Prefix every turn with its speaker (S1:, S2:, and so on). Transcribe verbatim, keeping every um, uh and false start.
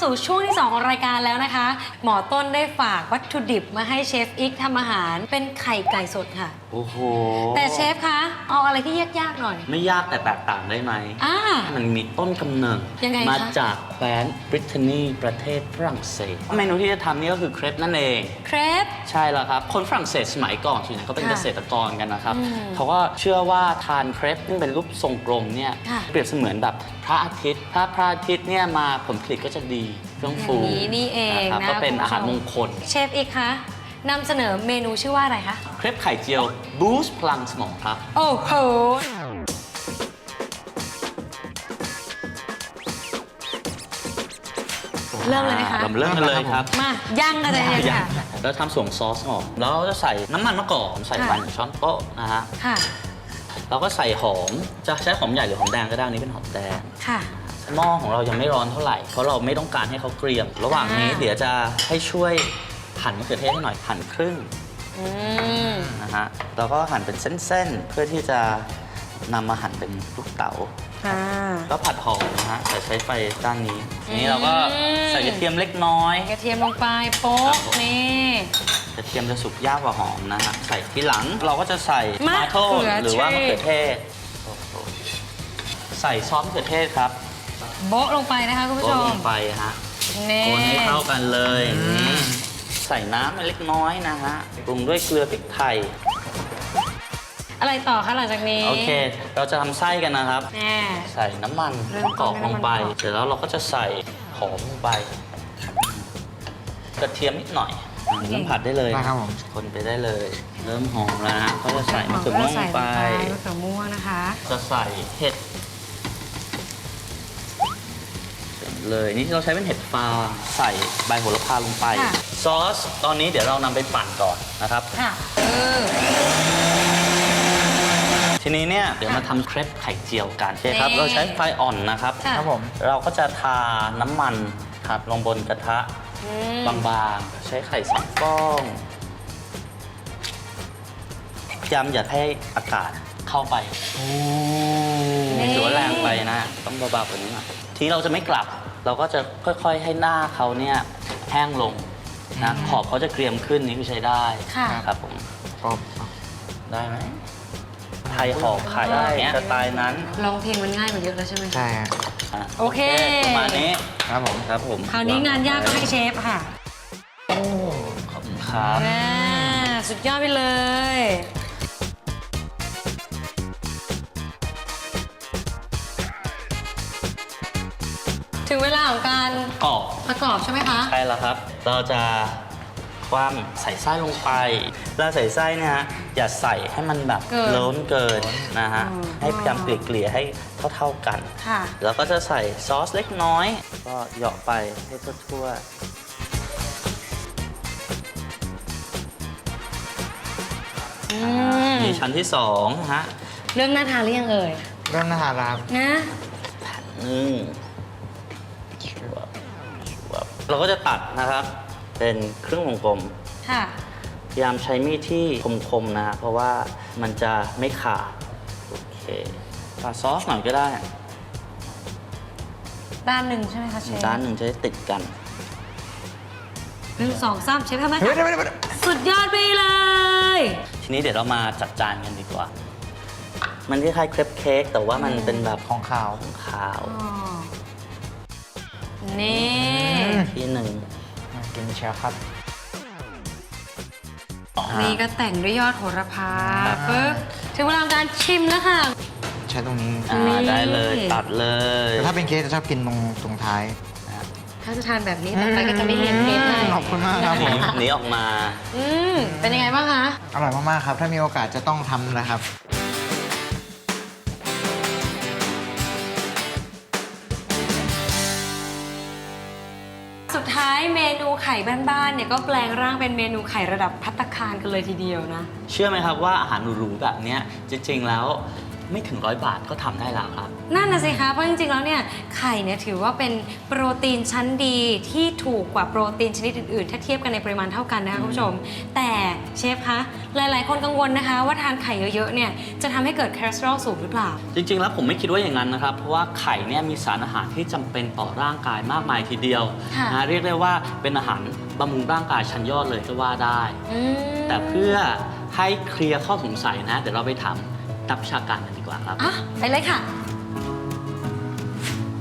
S1: สู่ช่วงที่สองของรายการแล้วนะคะหมอต้นได้ฝากวัตถุดิบมาให้เชฟอิกทำอาหารเป็นไข่ไก่สดค่ะ
S2: โอ้โห
S1: แต่เชฟคะเอาอะไรที่ยากๆหน่อย
S2: ไม่ยากแต่แตกต่างได้ไหม
S1: อ่า
S2: มันมีต้นกำเนิด
S1: ยังไงคะ
S2: มาจากแคว้นบริเตนนีประเทศฝรั่งเศสเมนูที่จะทำนี่ก็คือเครปนั่นเอง
S1: เครป
S2: ใช่แล้วครับ คนฝรั่งเศสสมัยก่อนส่วนใหญ่เขาเป็น
S1: ค่ะ
S2: เกษตรกรกันนะครับ
S1: อืม
S2: เขาก็เชื่อว่าทานเครปซึ่งเป็นรูปทรงกลมเนี่ย
S1: ค่ะ
S2: เปรียบเสมือนแบบพระอาทิตย์ ถ้าพระอาทิตย์เนี่ยมาผลผลิตก็จะดีเฟื่อง
S1: อย่า
S2: ฟู
S1: งนี้นี่เอง
S2: นะครับ
S1: นะ
S2: ก็เป็น
S1: คุณผู้ชม
S2: อาหารมงคล
S1: เชฟอิกคะนำเสนอเมนูชื่อว่าอะไรคะ
S2: เครปไข่เจียวบูสต์พลังสมองครับ
S1: โอ้โหเริ่มเลยไหมคะ
S2: เราเริ่มกันเลยครับ
S1: มาย่างกันเลยค่ะ
S2: แล้วทำส่วนซอสก่อนแล้วเราจะใส่น้ำมันมะกอกใส่
S1: ค่ะ
S2: วันช้อนโต๊ะนะฮะ
S1: ค่ะ
S2: เราก็ใส่หอม จะใช้หอมใหญ่หรือหอมแดงก็ได้อันนี้เป็นหอมแดง
S1: ค่ะ
S2: หม้อของเรายังไม่ร้อนเท่าไหร่ เพราะเราไม่ต้องการให้เขาเกรียม ระหว่างนี้
S1: อ่า
S2: เดี๋ยวจะให้ช่วยหั่นมะเขือเทศให้หน่อย หั่นครึ่ง
S1: อืม
S2: นะฮะ แล้วก็หั่นเป็นเส้นๆ เพื่อที่จะนำมาหั่นเป็นลูกเต๋า
S1: ค่ะ
S2: ก็ผัดหอมนะฮะแต่ใช้ไฟด้านนี้
S1: อืม
S2: ทีนี้เราก็ใส่กระเทียมเล็กน้อย
S1: กระเทียมลงไปโป๊ะนี่
S2: กระเทียมจะสุกยากกว่าหอมนะฮะ ใส่ที่หลังเราก็จะใส่
S1: มะ
S2: มาโท
S1: เขือ
S2: หรือว่ามะเขือ
S1: เทศ
S2: เทศ ใส่ซอสมะเขือเทศครับ
S1: โบ๊ะลงไปนะคะคุณผู้ช
S2: โรย
S1: ม
S2: ลงไปฮะ
S1: นี่
S2: คนให้เข้ากันเลยนี่ใส่น้ำไปเล็กน้อยนะฮะปรุงด้วยเกลือพริกไทย
S1: อะไรต่อคะหลังจากนี้
S2: โอเค เราจะทำไส้กันนะครับ
S1: แน่
S2: ใส่น้ำมัน
S1: เริ่ม
S2: ก
S1: ต้
S2: อน กลงไป
S1: ด้วยน้ำมันกอก
S2: เสร็จแล้วเราก็จะใส่หอมลงไป กระเทียมนิดหน่อยเริ่มผัดได้เลย
S3: ได้ครับผม
S2: คนไปได้เลย เริ่มหอมแล้วนะก็จะใส่มะเขือม่วงลงไป
S1: ใส่มะเขือม่วงนะคะ
S2: จะใส่เห็ดเลยนี่เราใช้เป็นเห็ดฟางใส่ใบโหระพาลงไป
S1: ค่ะ
S2: ซอสตอนนี้เดี๋ยวเรานำไปปั่นก่อนนะครับ
S1: ค่ะเออ
S2: ทีนี้เนี่ยเดี๋ยวมาทำเครปไข่เจียวกันโอเคครับ
S1: นี่
S2: เราใช้ไฟอ่อนนะครับ
S1: ค่ะ
S3: ครับผม
S2: เราก็จะทาน้ำมันครับลงบนกระทะ
S1: อืม
S2: บางๆ ใช้ไข่สองฟองพยายามอย่าให้อากาศเข้าไป
S3: โอ้
S2: ถือว่าแรงไปนะ ต้องเบาๆกว่านี้หน่อยทีนี้เราจะไม่กลับ เราก็จะค่อยๆให้หน้าเขาเนี่ยแห้งลงนะขอบเขาจะเกรียมขึ้นนี่คือใช้ได้
S1: ค่ะ
S2: ครับผม
S3: ปอบ
S2: ได้ไหมไทยห่อไข่อย่างเงี้ยสไตล์นั้น
S1: ร้องเพลงมันง่ายกว่าเยอะแล้วใช่ไหม
S3: ใช่ฮะ
S2: อ่ะ
S1: โอเค
S2: ประมาณนี้
S3: ครับผม
S2: ครับผม
S1: คราวนี้งานยากก็ให้เชฟค่ะ
S3: โอ้
S2: ขอบคุณครับ
S1: แม่สุดยอดไปเลย ถึงเวลาของการ
S2: กรอบ
S1: ประกอบใช่ไหมคะ
S2: ใช่แล้วครับ เราจะคว่ำใส่ไส้ลงไปแล้วใส่ไส้เนี่ยฮะอย่าใส่ให้มันแบบ
S1: เกิน
S2: ล้นเกินนะฮะ
S1: อืม
S2: ให้พยายามเกลี่ยๆให้เท่าๆกัน
S1: ค่ะ
S2: แล้วก็จะใส่ซอสเล็กน้อย ก็เหยาะไปให้ทั่ว
S1: อื
S2: ๆ
S1: ม
S2: มีชั้นที่สองฮะ
S1: เรื่องน่าทานหรือยังเอ่ย
S3: เริ่มน่าทานแล้วครับ
S1: นะ
S2: อืมเราก็จะตัดนะครับ เป็นครึ่งวงกลม
S1: ค่ะ
S2: พยายามใช้มีดที่คมๆนะฮะเพราะว่ามันจะไม่ขาด โอเคปาดซอสหน่อยก็ได้
S1: ด้านหนึ่งใช่ไหมคะเชฟ
S2: ด้านหนึ่งจะได้ติดกัน
S1: หนึ่งสองสามเชฟทำได้
S3: เฮ้ย
S1: ค่ะ
S3: เดี๋ยวเดี๋ยวเดี๋ยว
S1: สุดยอดไปเลย
S2: ทีนี้เดี๋ยวเรามาจัดจานกันดีกว่า มันคล้ายๆเครปเค้กแต่ว่ามันเป็นแบบ
S3: ของขาว
S2: ขาว
S1: อ๋อนี่
S3: อืม
S2: ที่หนึ่ง
S3: มากินเชียวครับ
S1: นี่ก็แต่งด้วยยอดโหระพา
S2: ครับ
S1: ปึ๊บถึงเวลาของการชิมแล้วค่ะ
S3: ใช้ตรงนี้
S2: อ่า
S1: นี่
S2: ได้เลยตัดเลย
S3: แต่ถ้าเป็นเค้กจะชอบกินตรงตรงท้าย
S1: ถ้าจะทานแบบนี้ต่อไปก็จะไม่เห็นเทปให้
S3: ขอบคุณมากครับผม
S2: หนีออกมา
S1: อืมเป็นยังไงบ้างคะ
S3: อร่อยมาก ๆ ครับ ถ้ามีโอกาสจะต้องทำนะครับ
S1: สุดท้ายเมนูไข่บ้านๆเนี่ยก็แปลงร่างเป็นเมนูไข่ระดับภัตตาคารกันเลยทีเดียวนะ
S2: เชื่อไหมครับว่าอาหารหรูๆแบบเนี้ยจริงๆแล้วไม่ถึงร้อยบาทก็ทำได้แล้วครับ
S1: นั่นนะสิคะเพราะจริงๆแล้วเนี่ยไข่เนี่ยถือว่าเป็นโปรตีนชั้นดีที่ถูกกว่าโปรตีนชนิดอื่นๆ ถ้าเทียบกันในปริมาณเท่ากันนะคะคุณผู้ชม แต่เชฟคะหลายๆ คนกังวลนะคะว่าทานไข่เยอะๆเนี่ยจะทำให้เกิดคอเลสเตอรอลสูงหรือเปล่า
S2: จริงๆ แล้วผมไม่คิดว่าอย่างนั้นนะครับ เพราะว่าไข่เนี่ยมีสารอาหารที่จำเป็นต่อร่างกายมากมายทีเดียว
S1: ค่ะ
S2: นะเรียกได้ว่าเป็นอาหารบำรุงร่างกายชั้นยอดเลยก็ว่าได้
S1: อืม
S2: แต่เพื่อให้เคลียร์ข้อสงสัยนะ เดี๋ยวเราไปถามนักวิชาการกันดีกว่าครับ
S1: อ่ะไปเลยค่ะ